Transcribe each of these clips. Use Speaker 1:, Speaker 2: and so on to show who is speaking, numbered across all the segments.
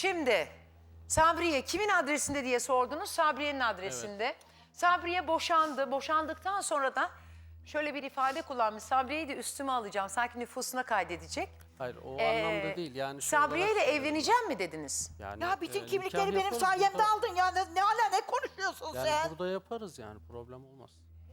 Speaker 1: Şimdi Sabriye kimin adresinde diye sordunuz. Sabriye'nin adresinde. Evet. Sabriye boşandı. Boşandıktan sonra da şöyle bir ifade kullanmış. Sabriye'yi de üstüme alacağım. Sanki nüfusuna kaydedecek.
Speaker 2: Hayır o anlamda değil. Yani
Speaker 1: Sabriye ile evleneceğim mi dediniz?
Speaker 2: Yani,
Speaker 3: Ya bütün kimlikleri
Speaker 2: nikah
Speaker 3: benim
Speaker 2: yaparız
Speaker 3: sayemde
Speaker 2: burada.
Speaker 3: aldın ya. Ne hala ne konuşuyorsun
Speaker 2: Yani
Speaker 3: sen?
Speaker 2: burada yaparız yani problem olmaz.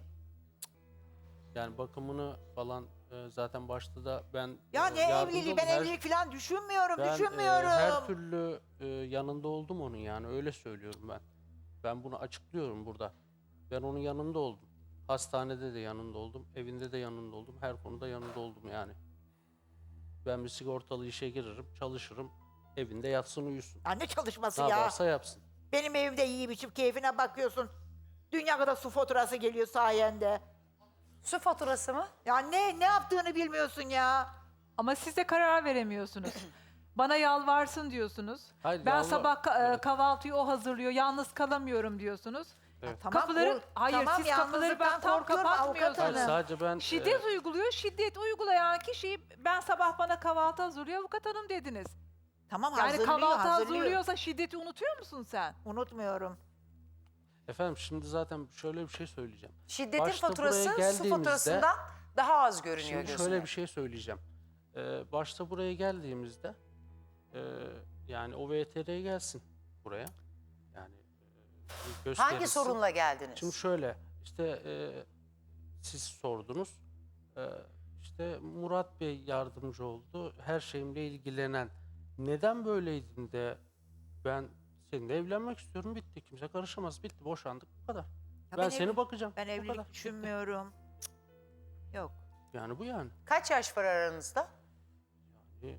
Speaker 2: Yani bakımını falan zaten başta da ben
Speaker 3: Ya ne
Speaker 2: yardımcı
Speaker 3: evliliği?
Speaker 2: oldum.
Speaker 3: Ben evlilik falan düşünmüyorum,
Speaker 2: Ben
Speaker 3: düşünmüyorum.
Speaker 2: her türlü yanında oldum onun yani öyle söylüyorum ben. Ben bunu açıklıyorum burada. Ben onun yanında oldum. Hastanede de yanında oldum, evinde de yanında oldum, her konuda yanında oldum yani. Ben bir sigortalı işe girerim, çalışırım, evinde yatsın uyusun.
Speaker 3: Ya ne çalışması
Speaker 2: Ne
Speaker 3: ya?
Speaker 2: yaparsa yapsın.
Speaker 3: Benim evimde yiyip içip keyfine bakıyorsun. Dünya kadar su faturası geliyor sayende.
Speaker 1: Su faturası mı?
Speaker 3: Ya ne yaptığını bilmiyorsun ya.
Speaker 4: Ama siz de karar veremiyorsunuz. Bana yalvarsın diyorsunuz.
Speaker 2: Hayır,
Speaker 4: Ben
Speaker 2: yalvar-
Speaker 4: sabah
Speaker 2: Evet.
Speaker 4: kahvaltıyı o hazırlıyor, yalnız kalamıyorum diyorsunuz.
Speaker 2: Evet.
Speaker 3: Tamam,
Speaker 4: Kapıları, hayır
Speaker 3: tamam,
Speaker 4: siz kapıları ben
Speaker 3: yalnızlıktan
Speaker 4: tam
Speaker 3: korkuyorum avukat
Speaker 4: kapatmıyorsunuz.
Speaker 2: Hayır,
Speaker 3: hanım.
Speaker 2: sadece ben
Speaker 4: Şiddet uyguluyor, şiddet uygulayan kişi ben sabah bana kahvaltı hazırlıyor avukat hanım dediniz.
Speaker 3: Tamam
Speaker 4: Yani
Speaker 3: hazırlıyor,
Speaker 4: kahvaltı
Speaker 3: hazırlıyor.
Speaker 4: hazırlıyorsa şiddeti unutuyor musun sen?
Speaker 3: Unutmuyorum.
Speaker 2: efendim şimdi zaten şöyle bir şey söyleyeceğim.
Speaker 1: Şiddetin
Speaker 2: Başta
Speaker 1: faturası
Speaker 2: buraya
Speaker 1: su
Speaker 2: geldiğimizde-
Speaker 1: faturasından daha az görünüyor
Speaker 2: Şimdi
Speaker 1: gözüme.
Speaker 2: şöyle bir şey söyleyeceğim. Başta buraya geldiğimizde yani o VTR'ye gelsin buraya. Yani gösterirsin.
Speaker 1: Hangi sorunla geldiniz?
Speaker 2: Şimdi şöyle işte siz sordunuz. İşte Murat Bey yardımcı oldu. Her şeyimle ilgilenen. Neden böyleydin de ben seninle evlenmek istiyorum bitti. Kimse karışamaz. Bitti boşandık bu kadar.
Speaker 3: Ya
Speaker 2: Ben seni bakacağım.
Speaker 3: Ben
Speaker 2: bu
Speaker 3: evlilik
Speaker 2: kadar.
Speaker 3: düşünmüyorum. Cık. Yok.
Speaker 2: Yani bu yani.
Speaker 1: Kaç yaş var aranızda?
Speaker 2: E,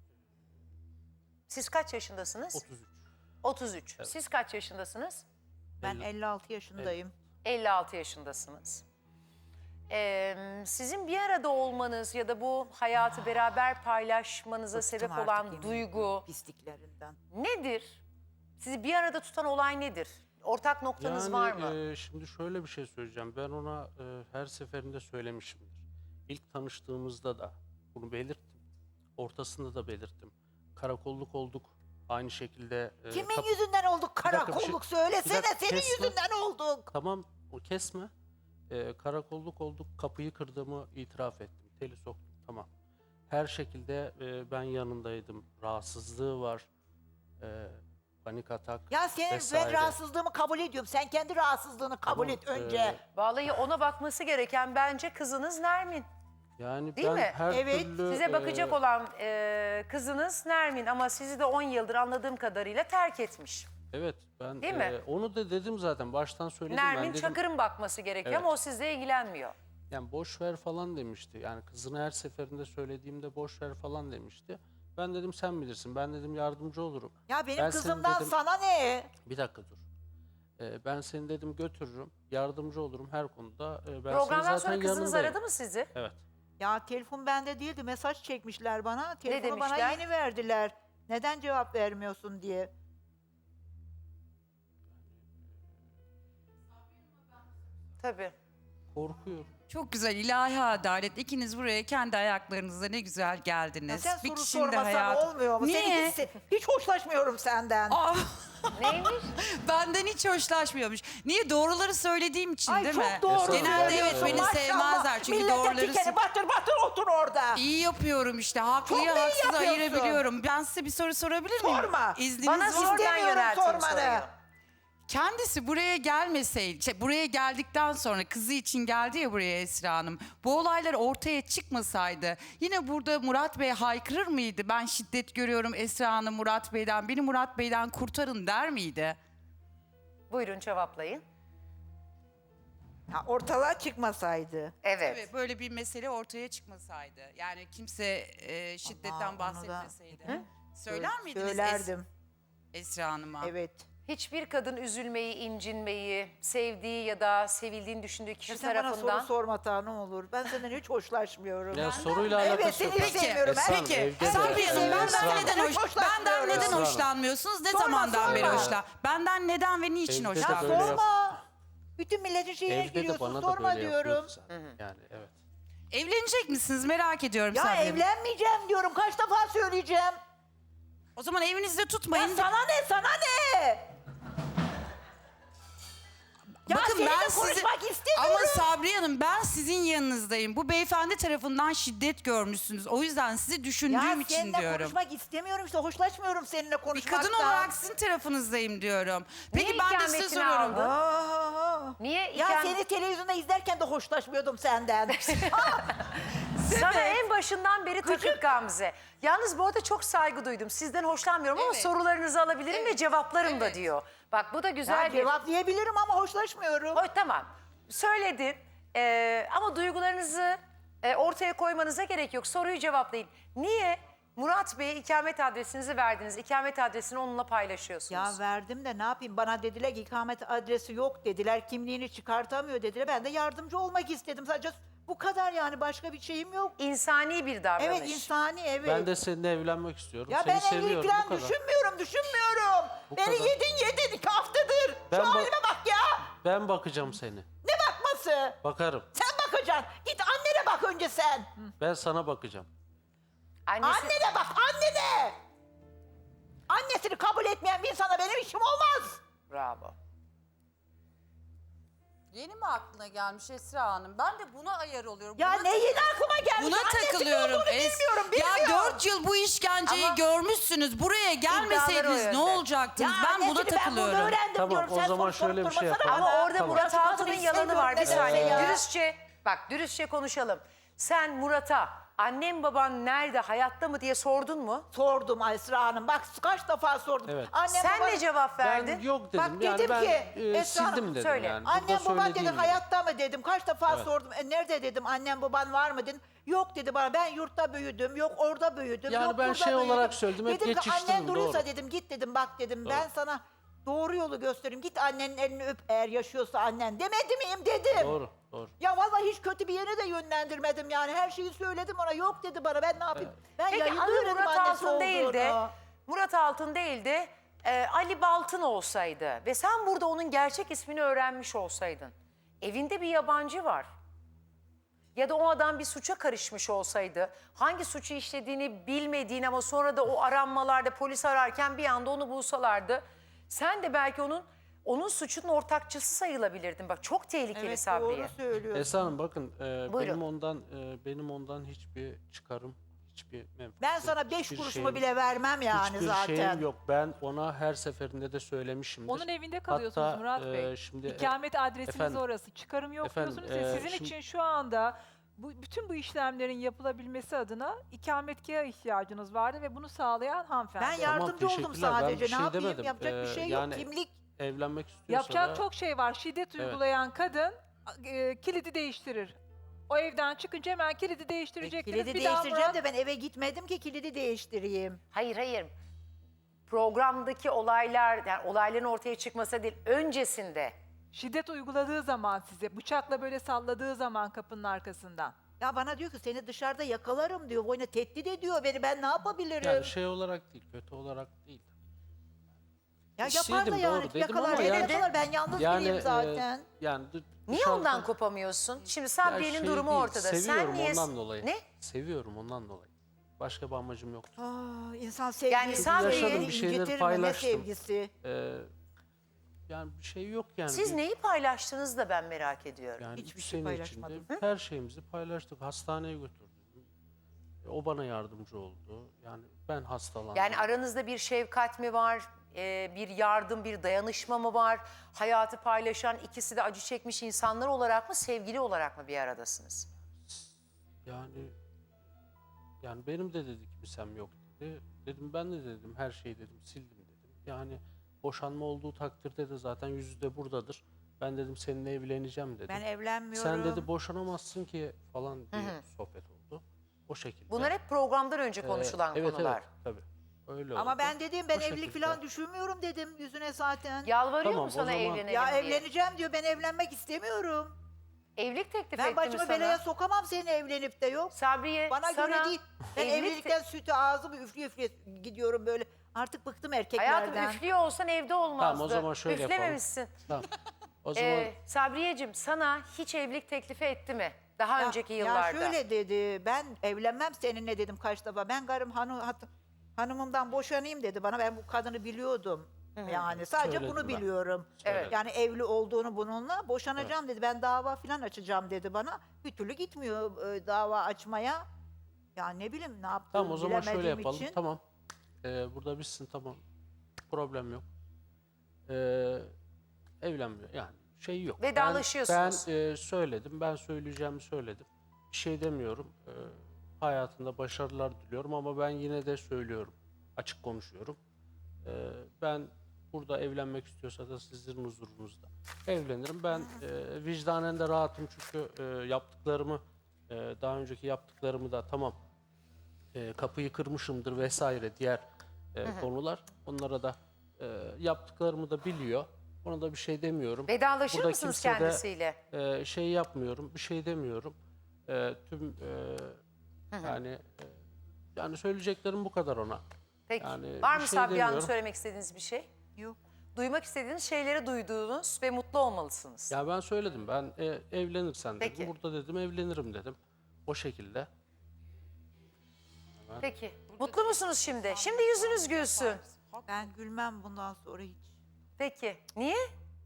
Speaker 1: Siz kaç yaşındasınız?
Speaker 2: 33.
Speaker 1: 33. Siz kaç yaşındasınız?
Speaker 3: Ben
Speaker 2: 50.
Speaker 3: 56 yaşındayım.
Speaker 1: 56 yaşındasınız. Sizin bir arada olmanız ya da bu hayatı beraber paylaşmanıza
Speaker 3: Bıktım
Speaker 1: sebep
Speaker 3: artık
Speaker 1: olan
Speaker 3: yemin
Speaker 1: duygu
Speaker 3: ediyorum pisliklerinden.
Speaker 1: nedir? Sizi bir arada tutan olay nedir? Ortak noktanız var mı?
Speaker 2: Şimdi şöyle bir şey söyleyeceğim. Ben ona her seferinde söylemişimdir. İlk tanıştığımızda da bunu belirttim. Ortasında da belirttim. Karakolluk olduk. Aynı şekilde...
Speaker 3: Kimin yüzünden olduk
Speaker 2: dakika, bir şey-
Speaker 3: karakolluk söylesene
Speaker 2: bir dakika,
Speaker 3: senin
Speaker 2: kesme.
Speaker 3: yüzünden olduk.
Speaker 2: Tamam o kesme. Karakolluk olduk. Kapıyı kırdığımı itiraf ettim. Teli soktum. Tamam. Her şekilde ben yanındaydım. Rahatsızlığı var. Panik atak
Speaker 3: Ya senin ben
Speaker 2: vesaire.
Speaker 3: rahatsızlığımı kabul ediyorum. Sen kendi rahatsızlığını kabul
Speaker 2: Tamam,
Speaker 3: et önce.
Speaker 1: Vallahi ona bakması gereken bence kızınız Nermin.
Speaker 2: Yani
Speaker 1: Değil
Speaker 2: ben
Speaker 1: mi?
Speaker 2: her
Speaker 3: Evet,
Speaker 2: türlü...
Speaker 1: Size bakacak olan kızınız Nermin ama sizi de 10 yıldır anladığım kadarıyla terk etmiş.
Speaker 2: Evet ben
Speaker 1: Değil mi?
Speaker 2: onu da dedim zaten baştan söyledim.
Speaker 1: Nermin
Speaker 2: ben dedim,
Speaker 1: Çakır'ın bakması gerekiyor
Speaker 2: Evet.
Speaker 1: ama o sizle ilgilenmiyor.
Speaker 2: yani boş ver falan demişti. Yani kızına her seferinde söylediğimde boş ver falan demişti. Ben dedim sen bilirsin. Ben dedim yardımcı olurum.
Speaker 3: Ya benim
Speaker 2: Ben senin
Speaker 3: kızımdan
Speaker 2: dedim-
Speaker 3: sana ne?
Speaker 2: Bir dakika dur. Ben seni dedim götürürüm. Yardımcı olurum her konuda. Ben senin
Speaker 1: Programdan
Speaker 2: zaten
Speaker 1: sonra kızınız
Speaker 2: yanındayım.
Speaker 1: aradı mı sizi?
Speaker 2: Evet.
Speaker 3: Ya telefon bende değildi. Mesaj çekmişler bana. Telefonu bana
Speaker 1: demişler?
Speaker 3: yeni verdiler. Neden cevap vermiyorsun diye.
Speaker 1: Tabii.
Speaker 2: Korkuyorum.
Speaker 5: Çok güzel ilahi adalet. İkiniz buraya kendi ayaklarınızla ne güzel
Speaker 3: Ya
Speaker 5: geldiniz.
Speaker 3: sen
Speaker 5: bir
Speaker 3: soru
Speaker 5: kişinin de
Speaker 3: sormasan
Speaker 5: hayatı.
Speaker 3: olmuyor mu?
Speaker 5: Niye?
Speaker 3: Hiç hoşlaşmıyorum senden.
Speaker 5: Aa,
Speaker 1: Neymiş?
Speaker 5: benden hiç hoşlaşmıyormuş. Niye? Doğruları söylediğim için
Speaker 3: Ay
Speaker 5: değil
Speaker 3: çok
Speaker 5: mi?
Speaker 3: doğru
Speaker 5: Genelde evet
Speaker 3: söylüyorsun,
Speaker 5: beni
Speaker 3: maşallah.
Speaker 5: sevmezler. Çünkü
Speaker 3: Millete
Speaker 5: doğruları
Speaker 3: dikeni batır batır otur orada.
Speaker 5: iyi yapıyorum işte. Haklıyı
Speaker 3: Çok iyi
Speaker 5: haksızı
Speaker 3: yapıyorsun.
Speaker 5: ayırabiliyorum. Ben size bir soru sorabilir miyim?
Speaker 3: Sorma.
Speaker 5: İzniniz
Speaker 1: Bana
Speaker 5: var.
Speaker 1: sordan
Speaker 3: İstemiyorum
Speaker 1: yöneltin
Speaker 3: sormanı.
Speaker 1: soruyu.
Speaker 5: Kendisi buraya gelmeseydi, buraya geldikten sonra kızı için geldi ya buraya Esra Hanım. Bu olaylar ortaya çıkmasaydı yine burada Murat Bey haykırır mıydı? Ben şiddet görüyorum Esra Hanım Murat Bey'den, beni Murat Bey'den kurtarın der miydi?
Speaker 1: Buyurun cevaplayın.
Speaker 3: Ya ortalığa çıkmasaydı.
Speaker 1: Evet.
Speaker 5: Evet, böyle bir mesele ortaya çıkmasaydı. Yani kimse şiddetten
Speaker 3: Ama onu da-
Speaker 5: bahsetmeseydi. Söyler miydiniz
Speaker 3: Söylerdim.
Speaker 5: Esra Hanım'a?
Speaker 3: Evet.
Speaker 1: Hiçbir kadın üzülmeyi, incinmeyi, sevdiği ya da sevildiğini düşündüğü kişi
Speaker 3: Ya sen bana soru
Speaker 1: tarafından...
Speaker 3: sorma ta ne olur. Ben senden hiç hoşlaşmıyorum.
Speaker 2: Ya soruyla alakası
Speaker 3: Evet
Speaker 2: yok.
Speaker 3: seni sevmiyorum.
Speaker 2: Esra Hanım,
Speaker 5: Peki,
Speaker 2: evde de-
Speaker 5: Sabriye Hanım
Speaker 2: Esra
Speaker 5: benden
Speaker 2: Hanım.
Speaker 5: neden, benden neden
Speaker 2: Esra Hanım.
Speaker 5: hoşlanmıyorsunuz? Ne
Speaker 3: Sorma,
Speaker 5: zamandan beri
Speaker 3: sorma.
Speaker 5: Benden neden ve niçin
Speaker 2: Evde de
Speaker 3: Ya
Speaker 2: böyle
Speaker 5: hoşlanmıyorsunuz?
Speaker 3: sorma. Bütün milletin şeyine
Speaker 2: Evde de
Speaker 3: giriyorsun.
Speaker 2: bana da
Speaker 3: Sorma
Speaker 2: böyle
Speaker 3: diyorum.
Speaker 2: yapıyordu zaten. Yani evet.
Speaker 5: Evlenecek misiniz? Merak ediyorum
Speaker 3: Ya
Speaker 5: Sabriye Hanım.
Speaker 3: evlenmeyeceğim diyorum. Kaç defa söyleyeceğim.
Speaker 5: O zaman evinizde tutmayın.
Speaker 3: Ya sana ne, sana ne? Ya
Speaker 5: Bakın
Speaker 3: seninle
Speaker 5: ben sizi...
Speaker 3: konuşmak istemiyorum.
Speaker 5: Ama Sabriye Hanım ben sizin yanınızdayım. Bu beyefendi tarafından şiddet görmüşsünüz. O yüzden sizi düşündüğüm için
Speaker 3: seninle
Speaker 5: diyorum.
Speaker 3: konuşmak istemiyorum işte, hoşlaşmıyorum seninle
Speaker 5: Bir
Speaker 3: konuşmaktan.
Speaker 5: kadın olarak sizin tarafınızdayım diyorum. Peki
Speaker 1: Niye
Speaker 5: ben de size
Speaker 1: ikametini
Speaker 5: soruyorum.
Speaker 1: aldın?
Speaker 3: Aa,
Speaker 1: Niye
Speaker 3: ya
Speaker 1: ikamet-
Speaker 3: seni televizyonda izlerken de hoşlaşmıyordum senden.
Speaker 1: Sana en başından beri takık Gamze. Yalnız bu arada çok saygı duydum. Sizden hoşlanmıyorum ama
Speaker 5: Evet.
Speaker 1: sorularınızı alabilirim ve cevaplarım da diyor. Bak bu da güzel
Speaker 3: Ya
Speaker 1: bir...
Speaker 3: cevaplayabilirim ama hoşlaşmıyorum.
Speaker 1: Tamam. Söyledin ama duygularınızı ortaya koymanıza gerek yok. Soruyu cevaplayın. Niye Murat Bey'e ikamet adresinizi verdiniz? İkamet adresini onunla paylaşıyorsunuz.
Speaker 3: Ya verdim de ne yapayım? Bana dediler ki ikamet adresi yok dediler. Kimliğini çıkartamıyor dediler. Ben de yardımcı olmak istedim. Sadece bu kadar yani, başka bir şeyim yok.
Speaker 1: İnsani bir davranış.
Speaker 3: Evet, insani, evet.
Speaker 2: Ben de seninle evlenmek istiyorum.
Speaker 3: Ya
Speaker 2: Seni
Speaker 3: ben
Speaker 2: seviyorum,
Speaker 3: evlilik
Speaker 2: bu
Speaker 3: falan
Speaker 2: kadar.
Speaker 3: düşünmüyorum.
Speaker 2: Bu
Speaker 3: Beni
Speaker 2: kadar.
Speaker 3: yedin 2 haftadır.
Speaker 2: Ben
Speaker 3: Şu
Speaker 2: bak-
Speaker 3: halime bak ya.
Speaker 2: Ben bakacağım seni.
Speaker 3: Ne bakması?
Speaker 2: Bakarım.
Speaker 3: Sen bakacaksın. Git annene bak önce sen.
Speaker 2: Ben sana bakacağım.
Speaker 1: Annesi...
Speaker 3: Annene bak, annene. Annesini kabul etmeyen bir insana benim işim olmaz.
Speaker 1: Bravo.
Speaker 5: Yeni mi aklına gelmiş Esra Hanım? Ben de buna ayar oluyorum.
Speaker 3: Ya
Speaker 5: Buna
Speaker 3: ne yeni aklıma gelmiş.
Speaker 5: Buna
Speaker 3: Annesinin
Speaker 5: takılıyorum.
Speaker 3: olduğunu bilmiyorum.
Speaker 5: Ya 4 yıl bu işkenceyi
Speaker 1: Ama-
Speaker 5: görmüşsünüz. Buraya
Speaker 1: İddiaları
Speaker 5: gelmeseydiniz
Speaker 1: o
Speaker 5: ne
Speaker 1: yönde.
Speaker 5: olacaktınız?
Speaker 3: Ya
Speaker 5: ben buna
Speaker 3: annesini ben
Speaker 5: takılıyorum.
Speaker 3: burada öğrendim
Speaker 2: Tamam,
Speaker 3: diyorum.
Speaker 2: o
Speaker 3: Sen
Speaker 2: zaman
Speaker 3: sorup
Speaker 2: şöyle bir şey
Speaker 3: durmasana
Speaker 2: yapalım.
Speaker 3: bana.
Speaker 1: Ama orada
Speaker 2: Tamam.
Speaker 1: Murat Altun'un yalanı var. Bir
Speaker 3: istemiyorum
Speaker 1: saniye.
Speaker 3: ya.
Speaker 1: Dürüstçe konuşalım. Sen Murat'a annem baban nerede, hayatta mı diye sordun mu?
Speaker 3: Sordum Esra Hanım. Bak kaç defa sordum.
Speaker 2: Evet.
Speaker 3: Annem,
Speaker 1: Sen
Speaker 3: baban-
Speaker 1: ne cevap verdin?
Speaker 2: Ben yok dedim.
Speaker 3: Bak
Speaker 2: yani
Speaker 3: dedim
Speaker 2: ben
Speaker 3: ki, Esra Hanım,
Speaker 2: sildim dedim
Speaker 1: söyle.
Speaker 2: yani.
Speaker 3: Annem
Speaker 2: Burada
Speaker 3: baban
Speaker 2: söylediğim
Speaker 3: dedi
Speaker 2: gibi.
Speaker 3: hayatta mı dedim. Kaç defa
Speaker 2: Evet.
Speaker 3: sordum. Nerede dedim, annem baban var mı dedim. Yok dedi bana, ben yurtta büyüdüm. Yok orada büyüdüm.
Speaker 2: Yani
Speaker 3: yok
Speaker 2: ben
Speaker 3: burada
Speaker 2: şey olarak
Speaker 3: büyüdüm.
Speaker 2: söyledim, hep
Speaker 3: Dedim ki
Speaker 2: geçiştirdim,
Speaker 3: annen duruyorsa
Speaker 2: doğru.
Speaker 3: dedim, git dedim, bak dedim.
Speaker 2: Doğru.
Speaker 3: Ben sana doğru yolu göstereyim. Git annenin elini öp eğer yaşıyorsa annen. Demedi miyim dedim.
Speaker 2: Doğru, doğru.
Speaker 3: Ya vallahi hiç kötü bir yere de yönlendirmedim yani. Her şeyi söyledim ona. Yok dedi bana, ben ne yapayım? Ben
Speaker 1: Peki
Speaker 3: yayında
Speaker 1: adı
Speaker 3: öğrendim
Speaker 1: Murat
Speaker 3: annesi
Speaker 1: Altın değil de,
Speaker 3: olduğunu.
Speaker 1: Murat Altın değil de Ali Baltın olsaydı ve sen burada onun gerçek ismini öğrenmiş olsaydın, evinde bir yabancı var. Ya da o adam bir suça karışmış olsaydı, hangi suçu işlediğini bilmediğin ama sonra da o aranmalarda polis ararken bir anda onu bulsalardı, sen de belki onun suçunun ortakçısı sayılabilirdin. Bak çok tehlikeli
Speaker 3: Evet,
Speaker 1: Sabriye.
Speaker 3: doğru söylüyorsun.
Speaker 2: Esra Hanım bakın
Speaker 1: Buyurun.
Speaker 2: benim ondan hiçbir çıkarım, hiçbir menfaatim,
Speaker 3: Ben sana 5
Speaker 2: hiçbir
Speaker 3: kuruşumu
Speaker 2: şeyim-
Speaker 3: bile vermem yani
Speaker 2: hiçbir
Speaker 3: zaten.
Speaker 2: şeyim yok. Ben ona her seferinde de söylemişimdir.
Speaker 4: Onun evinde kalıyorsunuz
Speaker 2: Hatta,
Speaker 4: Murat Bey.
Speaker 2: şimdi,
Speaker 4: İkamet adresiniz
Speaker 2: efendim,
Speaker 4: orası. Çıkarım yok
Speaker 2: efendim,
Speaker 4: diyorsunuz ve sizin
Speaker 2: şimdi-
Speaker 4: için şu anda bütün bu işlemlerin yapılabilmesi adına ikametgaha ihtiyacınız vardı ve bunu sağlayan hanımefendi.
Speaker 3: Ben yardımcı oldum
Speaker 2: teşekkürler. Ben
Speaker 3: sadece.
Speaker 2: bir şey
Speaker 3: Ne yapayım?
Speaker 2: demedim.
Speaker 3: Yapacak bir şey yok.
Speaker 2: Yani
Speaker 3: Kimlik.
Speaker 2: evlenmek istiyorsa
Speaker 4: Yapacak
Speaker 2: da,
Speaker 4: çok şey var. Şiddet uygulayan kadın kilidi değiştirir. O evden çıkınca hemen kilidi değiştirecektiniz.
Speaker 3: Kilidi
Speaker 4: Bir daha
Speaker 3: değiştireceğim
Speaker 4: Murat-
Speaker 3: de ben eve gitmedim ki kilidi değiştireyim.
Speaker 1: Hayır. Programdaki olaylar, yani olayların ortaya çıkması değil, öncesinde.
Speaker 4: şiddet uyguladığı zaman size, bıçakla böyle salladığı zaman kapının arkasından.
Speaker 3: Ya bana diyor ki seni dışarıda yakalarım diyor. Boyuna tehdit ediyor beni. Ben ne yapabilirim?
Speaker 2: yani şey olarak değil, kötü olarak değil.
Speaker 3: ya
Speaker 2: İsteydim,
Speaker 3: yapar da yani.
Speaker 2: doğru dedim
Speaker 3: Yakalar
Speaker 2: ama
Speaker 3: beni
Speaker 2: yani-
Speaker 3: yakalar. Ben yalnız biriyim zaten.
Speaker 2: Yani
Speaker 1: Niye
Speaker 2: dışarıda-
Speaker 1: ondan kopamıyorsun? Şimdi
Speaker 2: Ya
Speaker 1: Sabriye'nin
Speaker 2: şey
Speaker 1: durumu
Speaker 2: değil,
Speaker 1: ortada.
Speaker 2: Seviyorum
Speaker 1: Sen niye...
Speaker 2: ondan dolayı.
Speaker 1: Ne?
Speaker 2: Seviyorum ondan dolayı. Başka bir amacım yoktu.
Speaker 3: İnsan sevgisi.
Speaker 1: Yani Sabriye-
Speaker 2: Yaşadım, bir şeyleri
Speaker 3: incitir mi? Ne
Speaker 2: paylaştım.
Speaker 3: sevgisi?
Speaker 2: Yani bir şey yok yani.
Speaker 1: Siz neyi paylaştınız da ben merak ediyorum.
Speaker 2: Yani
Speaker 3: Hiçbir
Speaker 2: üç
Speaker 3: şey
Speaker 2: sene
Speaker 3: paylaşmadım.
Speaker 2: içinde her şeyimizi paylaştık. Hastaneye götürdüm. O bana yardımcı oldu. Yani ben hastalandım.
Speaker 1: Yani aranızda bir şefkat mi var? Bir yardım, bir dayanışma mı var? Hayatı paylaşan, ikisi de acı çekmiş insanlar olarak mı, sevgili olarak mı bir aradasınız?
Speaker 2: Yani benim de dedi kimsem yok dedi. Dedim ben de dedim her şeyi dedim sildim dedim. Yani boşanma olduğu takdirde de zaten yüzü de buradadır. Ben dedim seninle evleneceğim dedim.
Speaker 3: Ben evlenmiyorum.
Speaker 2: Sen dedi boşanamazsın ki falan diye sohbet oldu. O şekilde.
Speaker 1: Bunlar hep programdan önce konuşulan
Speaker 2: evet,
Speaker 1: konular.
Speaker 2: Evet tabii. Öyle
Speaker 3: Ama
Speaker 2: oldu.
Speaker 3: ben dedim ben
Speaker 2: O
Speaker 3: evlilik
Speaker 2: şekilde.
Speaker 3: falan düşünmüyorum dedim yüzüne zaten.
Speaker 1: Yalvarıyor
Speaker 2: Tamam,
Speaker 1: mu
Speaker 2: o
Speaker 1: sana
Speaker 2: zaman-
Speaker 1: evlenelim
Speaker 3: Ya
Speaker 1: diye?
Speaker 3: evleneceğim diyor, ben evlenmek istemiyorum.
Speaker 1: Evlilik teklif
Speaker 3: Ben
Speaker 1: etti mi
Speaker 3: başımı
Speaker 1: sana?
Speaker 3: belaya sokamam seninle evlenip de yok.
Speaker 1: Sabriye
Speaker 3: Bana
Speaker 1: sana
Speaker 3: göre değil. Ben
Speaker 1: evlilik
Speaker 3: evlilikten sütü ağzımı üflüye üflüye gidiyorum böyle. Artık bıktım erkeklerden.
Speaker 1: Hayatım üflüyor olsan evde olmazdı.
Speaker 2: Tamam, o zaman şöyle yapalım.
Speaker 1: Üflememişsin.
Speaker 2: Tamam. O zaman
Speaker 1: Sabriyeciğim sana hiç evlilik teklifi etti mi? Daha önceki
Speaker 3: Ya
Speaker 1: yıllarda.
Speaker 3: şöyle dedi, ben evlenmem seninle dedim kaç defa. Ben karım hanımımdan boşanayım dedi bana. Ben bu kadını biliyordum. Yani sadece
Speaker 2: Söyledim
Speaker 3: bunu
Speaker 2: ben.
Speaker 3: biliyorum.
Speaker 1: Evet.
Speaker 3: Yani evli olduğunu bununla boşanacağım dedi. Ben dava falan açacağım dedi bana. Bir türlü gitmiyor dava açmaya. Ya ne bileyim ne yaptığını
Speaker 2: Tamam o zaman şöyle
Speaker 3: bilemediğim
Speaker 2: yapalım.
Speaker 3: için.
Speaker 2: Tamam. Burada bitsin tamam. Problem yok. Evlenmiyor yani şey yok.
Speaker 1: Vedalaşıyorsunuz.
Speaker 2: Ben söyledim. Ben söyleyeceğimi söyledim. Bir şey demiyorum. Hayatında başarılar diliyorum ama ben yine de söylüyorum. Açık konuşuyorum. Ben burada evlenmek istiyorsa da sizin huzurunuzda evlenirim. Ben vicdanen de rahatım çünkü yaptıklarımı daha önceki yaptıklarımı da tamam kapıyı kırmışımdır vesaire diğer konular. Onlara da yaptıklarımı da biliyor. Ona da bir şey demiyorum.
Speaker 1: Vedalaşır
Speaker 2: Burada
Speaker 1: mısınız
Speaker 2: kimse de,
Speaker 1: kendisiyle?
Speaker 2: şey yapmıyorum, bir şey demiyorum. Tüm yani söyleyeceklerim bu kadar ona.
Speaker 1: Peki.
Speaker 2: Yani
Speaker 1: Var
Speaker 2: bir
Speaker 1: mı
Speaker 2: şey
Speaker 1: Sabriye Hanım
Speaker 2: demiyorum.
Speaker 1: söylemek istediğiniz bir şey?
Speaker 3: Yok.
Speaker 1: Duymak istediğiniz şeyleri duyduğunuz ve mutlu olmalısınız.
Speaker 2: Ya ben söyledim. Ben evlenirsen dedim.
Speaker 1: Peki.
Speaker 2: Burada dedim evlenirim dedim. O şekilde.
Speaker 1: Peki. Mutlu musunuz şimdi? Şimdi yüzünüz gülsün.
Speaker 3: Ben gülmem bundan sonra hiç.
Speaker 1: Peki. Niye?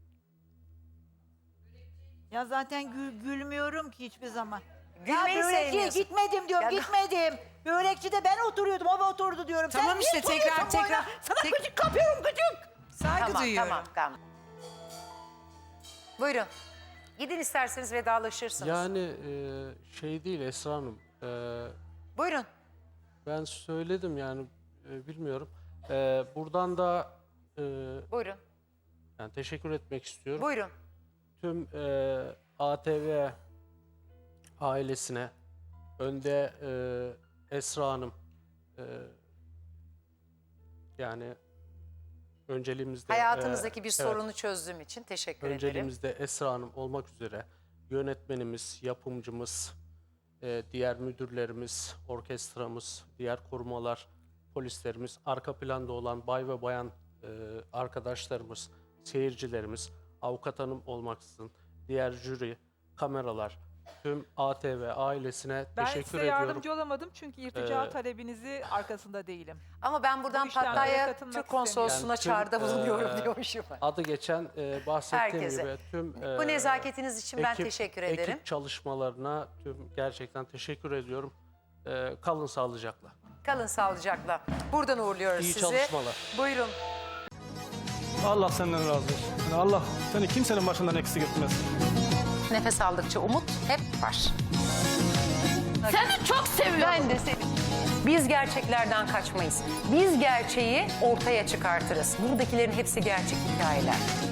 Speaker 3: Ya zaten gülmüyorum ki hiçbir zaman.
Speaker 1: Gülmeyi
Speaker 3: ya börekçiye
Speaker 1: sevmiyorsun.
Speaker 3: gitmedim diyorum,
Speaker 1: Ya-
Speaker 3: gitmedim. Börekçide ben oturuyordum, o oturdu diyorum.
Speaker 5: Tamam
Speaker 3: Sen
Speaker 5: işte,
Speaker 3: niye
Speaker 5: tekrar-
Speaker 3: soruyorsun bana? Sana
Speaker 5: tek-
Speaker 3: gıcık kapıyorum, gıcık.
Speaker 5: Saygı
Speaker 1: Tamam,
Speaker 5: duyuyorum.
Speaker 1: tamam. Buyurun. Gidin isterseniz vedalaşırsınız.
Speaker 2: Yani şey değil Esra Hanım.
Speaker 1: Buyurun.
Speaker 2: Ben söyledim yani bilmiyorum. Buradan da
Speaker 1: Buyurun.
Speaker 2: yani teşekkür etmek istiyorum.
Speaker 1: Buyurun.
Speaker 2: Tüm ATV ailesine, önde Esra Hanım yani önceliğimizde
Speaker 1: Hayatınızdaki bir
Speaker 2: evet,
Speaker 1: sorunu çözdüğüm için teşekkür ederim.
Speaker 2: önceliğimizde Esra Hanım olmak üzere yönetmenimiz, yapımcımız, diğer müdürlerimiz, orkestramız, diğer korumalar, polislerimiz, arka planda olan bay ve bayan arkadaşlarımız, seyircilerimiz, avukat hanım olmaksızın, diğer jüri, kameralar, tüm ATV ailesine
Speaker 4: Ben
Speaker 2: teşekkür
Speaker 4: size
Speaker 2: ediyorum.
Speaker 4: yardımcı olamadım çünkü irtica talebinizi arkasında değilim.
Speaker 1: Ama ben buradan
Speaker 4: Bu işlemlere
Speaker 1: Pattaya
Speaker 4: katılmak
Speaker 1: Türk Konsolosluğu'na
Speaker 2: Yani tüm,
Speaker 1: çağrıda bulunuyorum diyormuşum.
Speaker 2: Adı geçen bahsettiğim
Speaker 1: Herkese.
Speaker 2: gibi tüm
Speaker 1: Bu nezaketiniz için ben teşekkür ederim.
Speaker 2: Ekip çalışmalarına tüm gerçekten teşekkür ediyorum. Kalın sağlıcakla.
Speaker 1: Kalın sağlıcakla. Buradan uğurluyoruz
Speaker 2: İyi
Speaker 1: sizi.
Speaker 2: çalışmalar.
Speaker 1: Buyurun.
Speaker 6: Allah senden razı olsun. Yani Allah seni kimsenin başından eksik etmez.
Speaker 1: Nefes aldıkça umut hep var.
Speaker 7: Seni çok seviyorum.
Speaker 1: Ben de seni. Biz gerçeklerden kaçmayız. Biz gerçeği ortaya çıkartırız. Buradakilerin hepsi gerçek hikayeler.